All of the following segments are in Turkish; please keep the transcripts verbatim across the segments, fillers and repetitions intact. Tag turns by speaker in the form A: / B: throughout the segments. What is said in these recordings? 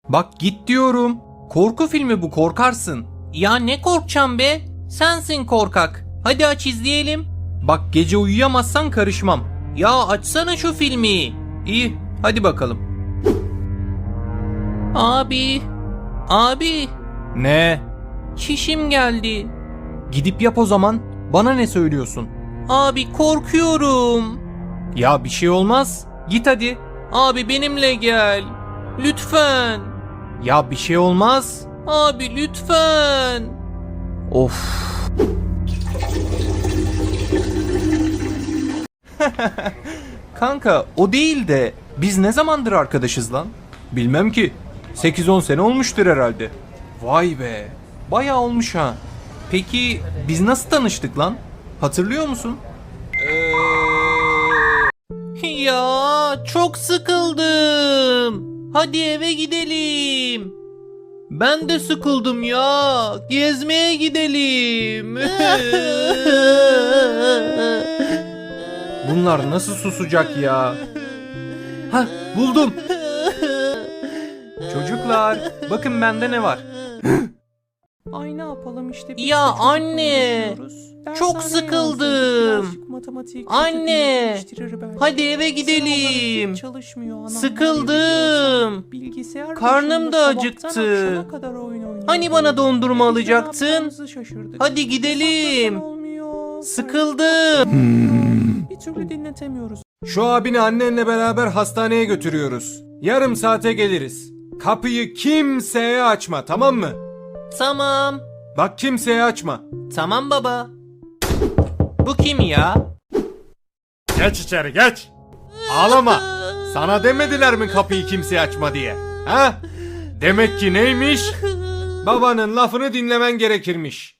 A: Bak git diyorum. Korku filmi bu, korkarsın.
B: Ya ne korkacağım be? Sensin korkak. Hadi aç izleyelim.
A: Bak gece uyuyamazsan karışmam.
B: Ya açsana şu filmi.
A: İyi, hadi bakalım.
B: Abi. Abi.
A: Ne?
B: Çişim geldi.
A: Gidip yap o zaman. Bana ne söylüyorsun?
B: Abi korkuyorum.
A: Ya bir şey olmaz. Git hadi.
B: Abi benimle gel. Lütfen.
A: Ya bir şey olmaz.
B: Abi lütfen.
A: Of. Kanka o değil de biz ne zamandır arkadaşız lan? Bilmem ki. sekiz on sene olmuştur herhalde. Vay be. Bayağı olmuş ha. Peki biz nasıl tanıştık lan? Hatırlıyor musun?
B: Ya çok sıkıldım. Hadi eve gidelim. Ben de sıkıldım ya. Gezmeye gidelim.
A: Bunlar nasıl susacak ya? Hah, buldum. Çocuklar, bakın bende ne var? Ay ne yapalım işte. biz
B: Ya
A: de çocuk
B: anne,
A: konuşuyoruz.
B: çok
A: Dershane
B: sıkıldım.
A: yazdık, matematik
B: Anne,
A: geliştirir belki.
B: hadi eve
A: Sınavlar
B: gidelim.
A: hiç çalışmıyor anam.
B: Sıkıldım.
A: Bilgisayar
B: Karnım
A: başında
B: da
A: sabahtan
B: acıktı.
A: akşama kadar oyun oynuyoruz.
B: Hani bana dondurma
A: Biz ne
B: alacaktın?
A: yapacağımızı şaşırdık.
B: Hadi gidelim.
A: Saklasan olmuyor.
B: Sıkıldım.
A: Bir türlü dinletemiyoruz. Şu abini annenle beraber hastaneye götürüyoruz. Yarım saate geliriz. Kapıyı kimseye açma, tamam mı?
B: Tamam.
A: Bak kimseye açma.
B: Tamam baba. Bu kim ya?
A: Geç içeri geç. Ağlama. Sana demediler mi kapıyı kimseye açma diye? Ha? Demek ki neymiş? Babanın lafını dinlemen gerekirmiş.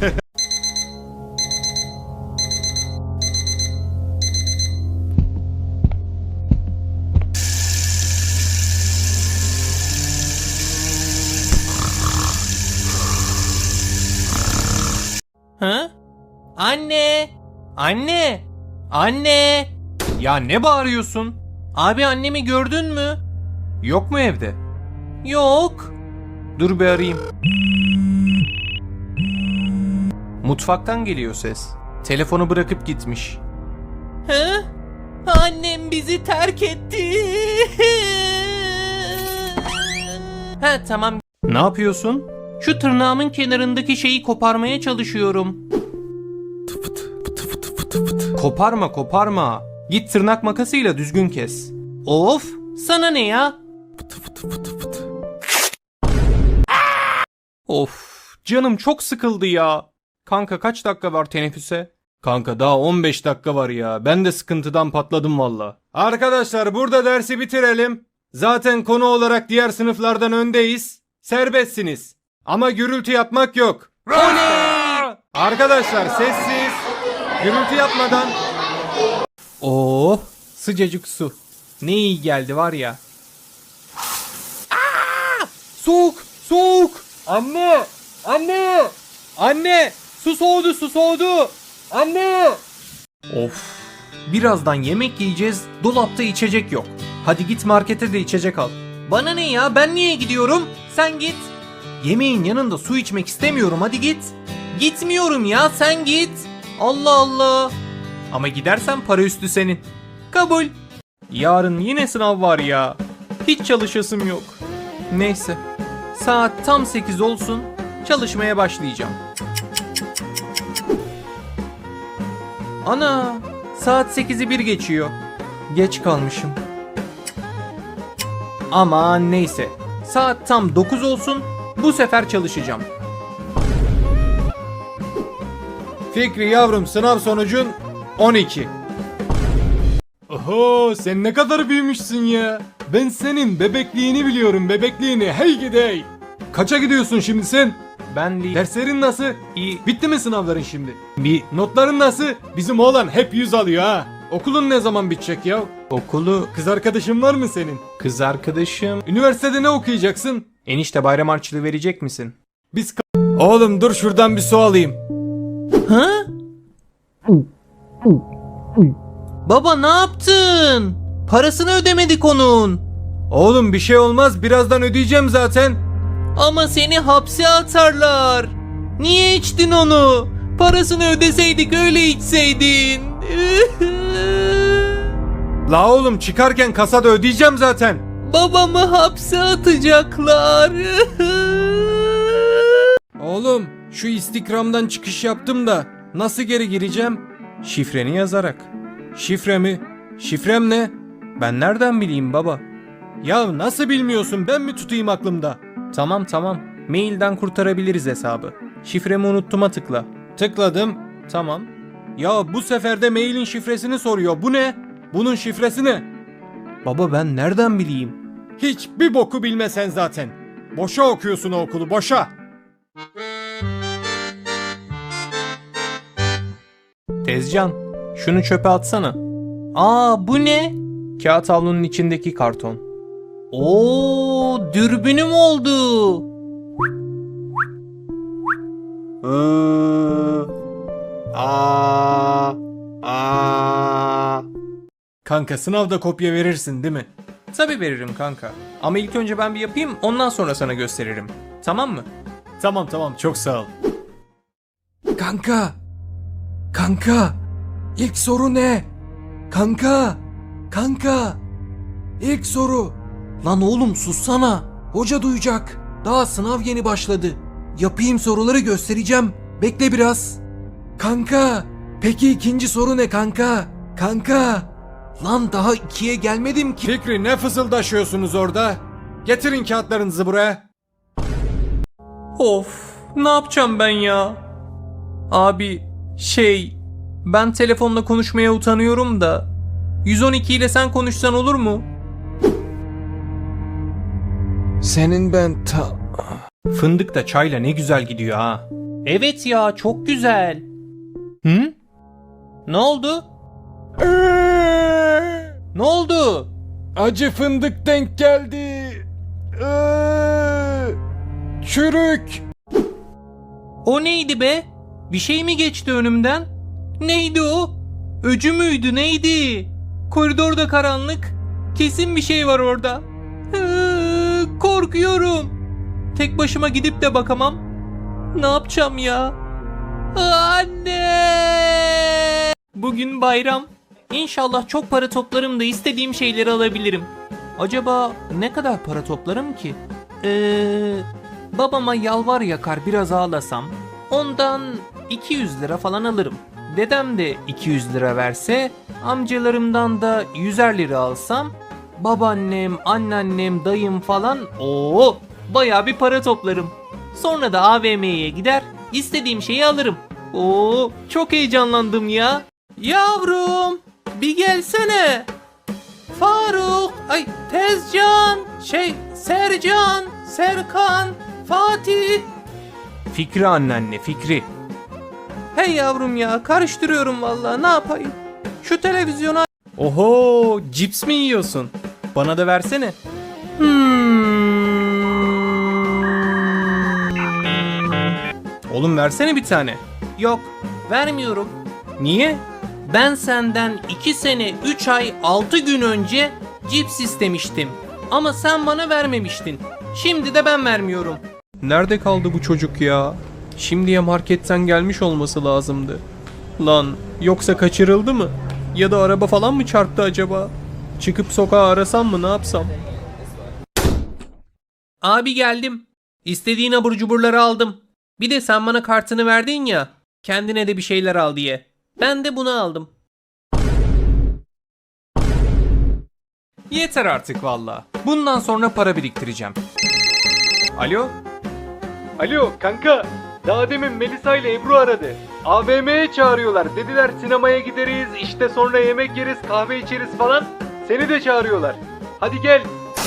B: Ha? Anne. Anne. Anne.
A: Ya ne bağırıyorsun?
B: Abi annemi gördün mü?
A: Yok mu evde?
B: Yok.
A: Dur bir arayayım. Mutfaktan geliyor ses. Telefonu bırakıp gitmiş.
B: Ha? Annem bizi terk etti. Ha tamam.
A: Ne yapıyorsun?
B: Şu tırnağımın kenarındaki şeyi koparmaya çalışıyorum.
A: Koparma koparma. Git tırnak makasıyla düzgün kes.
B: Of, sana ne ya?
A: Of, canım çok sıkıldı ya. Kanka kaç dakika var teneffüse? Kanka daha on beş dakika var ya. Ben de sıkıntıdan patladım valla. Arkadaşlar burada dersi bitirelim. Zaten konu olarak diğer sınıflardan öndeyiz. Serbestsiniz. Ama gürültü yapmak yok. Oley! Arkadaşlar sessiz. Gürültü yapmadan. Oh, sıcacık su. Ne iyi geldi var ya. Aa! Soğuk, soğuk. Anne, anne, anne. Su soğudu, su soğudu. Anne. Of. Birazdan yemek yiyeceğiz. Dolapta içecek yok. Hadi git markete de içecek al.
B: Bana ne ya? Ben niye gidiyorum? Sen git.
A: Yemeğin yanında su içmek istemiyorum. Hadi git.
B: Gitmiyorum ya, sen git. Allah Allah.
A: Ama gidersen para üstü senin.
B: Kabul.
A: Yarın yine sınav var ya. Hiç çalışasım yok. Neyse. Saat tam sekiz olsun. Çalışmaya başlayacağım. Ana! Saat sekizi bir geçiyor. Geç kalmışım. Aman neyse. Saat tam dokuz olsun. Bu sefer çalışacağım. Fikri yavrum, sınav sonucun on iki. Oho, sen ne kadar büyümüşsün ya. Ben senin bebekliğini biliyorum, bebekliğini. Hey gidey. Kaça gidiyorsun şimdi sen? Ben değil. Derslerin nasıl? İyi. Bitti mi sınavların şimdi? Bir. Notların nasıl? Bizim oğlan hep yüz alıyor ha. Okulun ne zaman bitecek ya? Okulu... Kız arkadaşın var mı senin? Kız arkadaşım... Üniversitede ne okuyacaksın? Enişte bayram harçlığı verecek misin? Biz... Oğlum dur şuradan bir su alayım.
B: Ha? Baba ne yaptın? Parasını ödemedik onun.
A: Oğlum bir şey olmaz, birazdan ödeyeceğim zaten.
B: Ama seni hapse atarlar. Niye içtin onu? Parasını ödeseydik öyle içseydin.
A: La oğlum çıkarken kasada ödeyeceğim zaten.
B: Babamı hapse atacaklar.
A: Oğlum şu Instagram'dan çıkış yaptım da nasıl geri gireceğim? Şifreni yazarak. Şifre mi? Şifrem ne? Ben nereden bileyim baba? Ya nasıl bilmiyorsun, ben mi tutayım aklımda? Tamam tamam, mailden kurtarabiliriz hesabı. Şifremi unuttuma tıkla. Tıkladım. Tamam. Ya bu sefer de mailin şifresini soruyor. Bu ne? Bunun şifresi ne? Baba ben nereden bileyim? Hiçbir boku bilmesen zaten. Boşa okuyorsun o okulu, boşa. Tezcan, şunu çöpe atsana.
B: Aa, bu ne?
A: Kağıt havlunun içindeki karton.
B: Oo, dürbünüm oldu.
A: Aa, aa. Kanka sınavda kopya verirsin değil mi? Tabii veririm kanka. Ama ilk önce ben bir yapayım, ondan sonra sana gösteririm. Tamam mı? Tamam tamam, çok sağ ol. Kanka. Kanka. İlk soru ne? Kanka. Kanka. İlk soru.
B: Lan oğlum sussana.
A: Hoca duyacak. Daha sınav yeni başladı. Yapayım soruları, göstereceğim. Bekle biraz. Kanka. Peki ikinci soru ne kanka? Kanka. Lan daha ikiye gelmedim ki. Fikri ne fısıldaşıyorsunuz orada? Getirin kağıtlarınızı buraya.
B: Of, ne yapacağım ben ya? Abi, şey, ben telefonla konuşmaya utanıyorum da yüz on iki ile sen konuşsan olur mu?
A: Senin ben ta... Fındık da çayla ne güzel gidiyor ha.
B: Evet ya, çok güzel.
A: Hı?
B: Ne oldu? Ne oldu?
A: Acı fındık denk geldi. Çürük.
B: O neydi be? Bir şey mi geçti önümden? Neydi o? Öcü müydü, neydi? Koridorda karanlık. Kesin bir şey var orada. Hı, korkuyorum. Tek başıma gidip de bakamam. Ne yapacağım ya? Anne! Bugün bayram. İnşallah çok para toplarım da istediğim şeyleri alabilirim. Acaba ne kadar para toplarım ki? Eee... Babama yalvar yakar biraz ağlasam ondan iki yüz lira falan alırım. Dedem de iki yüz lira verse, amcalarımdan da yüzer lira alsam, babaannem, anneannem, dayım falan o bayağı bir para toplarım. Sonra da A V M'ye gider, istediğim şeyi alırım. Oo, çok heyecanlandım ya. Yavrum, bir gelsene. Faruk, ay Tezcan, şey Sercan, Serkan, Fatih.
A: Fikri anneanne, Fikri.
B: Hey yavrum ya, karıştırıyorum vallahi, ne yapayım? Şu televizyona...
A: Oho, cips mi yiyorsun? Bana da versene.
B: Hmm.
A: Oğlum versene bir tane.
B: Yok, vermiyorum.
A: Niye?
B: Ben senden iki sene üç ay altı gün önce cips istemiştim. Ama sen bana vermemiştin. Şimdi de ben vermiyorum.
A: Nerede kaldı bu çocuk ya? Şimdiye marketten gelmiş olması lazımdı. Lan yoksa kaçırıldı mı? Ya da araba falan mı çarptı acaba? Çıkıp sokağa arasam mı, ne yapsam?
B: Abi geldim. İstediğin abur cuburları aldım. Bir de sen bana kartını verdin ya. Kendine de bir şeyler al diye. Ben de bunu aldım.
A: Yeter artık valla. Bundan sonra para biriktireceğim. Alo? Alo kanka. Daha demin Melisa ile Ebru aradı. A V M'ye çağırıyorlar. Dediler sinemaya gideriz, işte sonra yemek yeriz, kahve içeriz falan. Seni de çağırıyorlar. Hadi gel.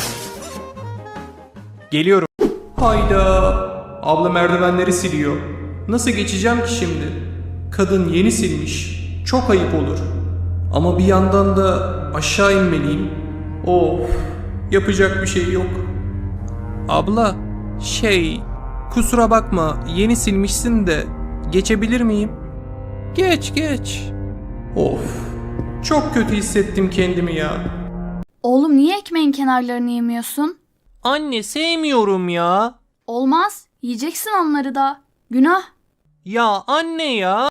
A: Geliyorum. Hayda. Abla merdivenleri siliyor. Nasıl geçeceğim ki şimdi? Kadın yeni silmiş. Çok ayıp olur. Ama bir yandan da aşağı inmeliyim. Of. Yapacak bir şey yok. Abla, şey, kusura bakma, yeni silmişsin de geçebilir miyim? Geç geç. Of. Çok kötü hissettim kendimi ya.
C: Oğlum niye ekmeğin kenarlarını yemiyorsun?
B: Anne sevmiyorum ya.
C: Olmaz. Yiyeceksin onları da. Günah.
B: Ya anne ya.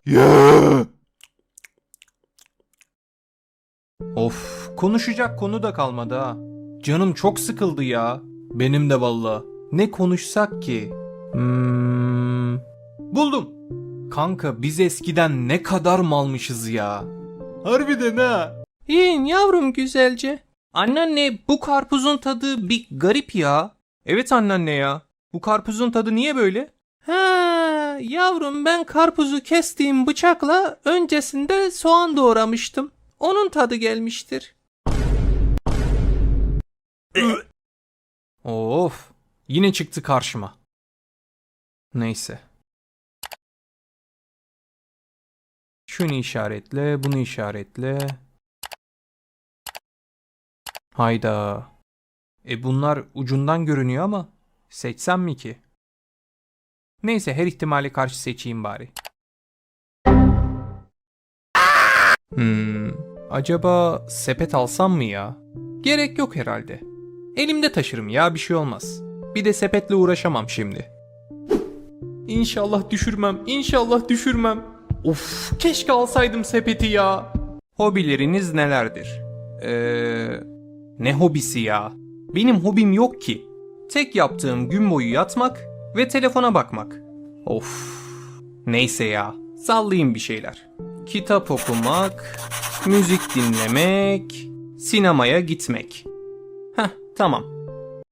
A: Of, konuşacak konu da kalmadı ha. Canım çok sıkıldı ya. Benim de valla. Ne konuşsak ki? Hmm, buldum. Kanka biz eskiden ne kadar malmışız ya. Harbiden ha.
B: Yiyin yavrum güzelce. Anneanne bu karpuzun tadı bir garip ya.
A: Evet anneanne ya. Bu karpuzun tadı niye böyle?
B: Ha yavrum ben karpuzu kestiğim bıçakla öncesinde soğan doğramıştım. Onun tadı gelmiştir.
A: Of, yine çıktı karşıma. Neyse. Şunu işaretle, bunu işaretle. Hayda. E bunlar ucundan görünüyor ama seçsem mi ki? Neyse her ihtimale karşı seçeyim bari. Hmm, acaba sepet alsam mı ya? Gerek yok herhalde. Elimde taşırım ya, bir şey olmaz. Bir de sepetle uğraşamam şimdi. İnşallah düşürmem, inşallah düşürmem. Of, keşke alsaydım sepeti ya. Hobileriniz nelerdir? Eee... Ne hobisi ya? Benim hobim yok ki. Tek yaptığım gün boyu yatmak ve telefona bakmak. Of. Neyse ya. Sallayayım bir şeyler. Kitap okumak, müzik dinlemek, sinemaya gitmek. Heh, tamam.